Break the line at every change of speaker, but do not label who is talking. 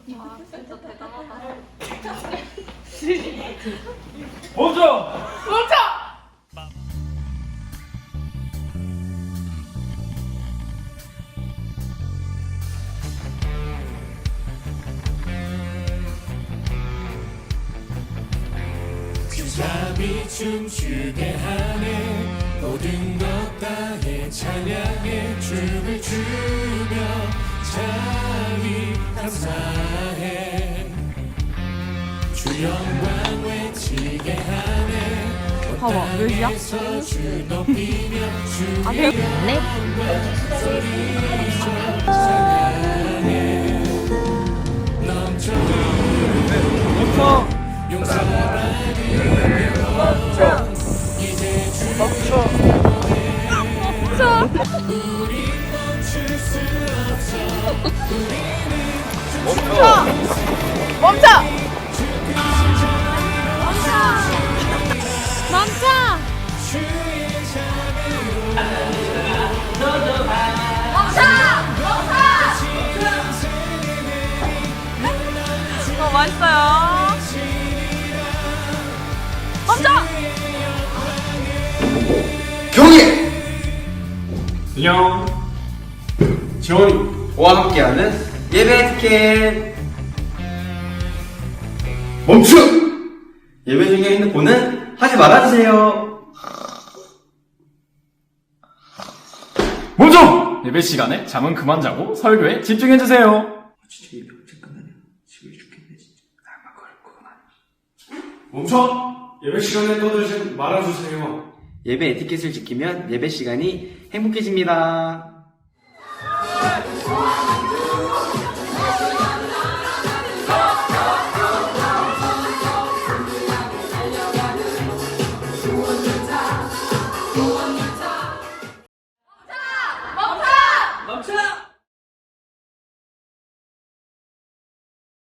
와 진짜 대단하다.
멈춰!
멈춰!
주잡이 춤추게 하네 모든 것 다해 찬양해 춤을 추며 자기 감사해 주 영광 외치게 하네
봐봐, 몇 시야?
주 높이며 주
아, 네?
찬양해 넘쳐
멈춰!
용서받으며 이제 주
멈춰!
우리 멈출 수 없어
멈춰! 멈춰! 멈춰! 맛있어요. 멈춰!
경희!
안녕.
지원이와 함께하는 예배 티켓 멈추! 예배 중에 핸드폰은 하지 말아주세요.
멈춰! 예배 시간에 잠은 그만 자고 설교에 집중해주세요.
진짜 예배 언제 끝나냐? 지루해 죽겠네 진짜. 나만 그건 아니지.
멈춰! 예배 시간에 떠들지 말아주세요.
예배 에티켓을 지키면 예배 시간이 행복해집니다.
멈춰!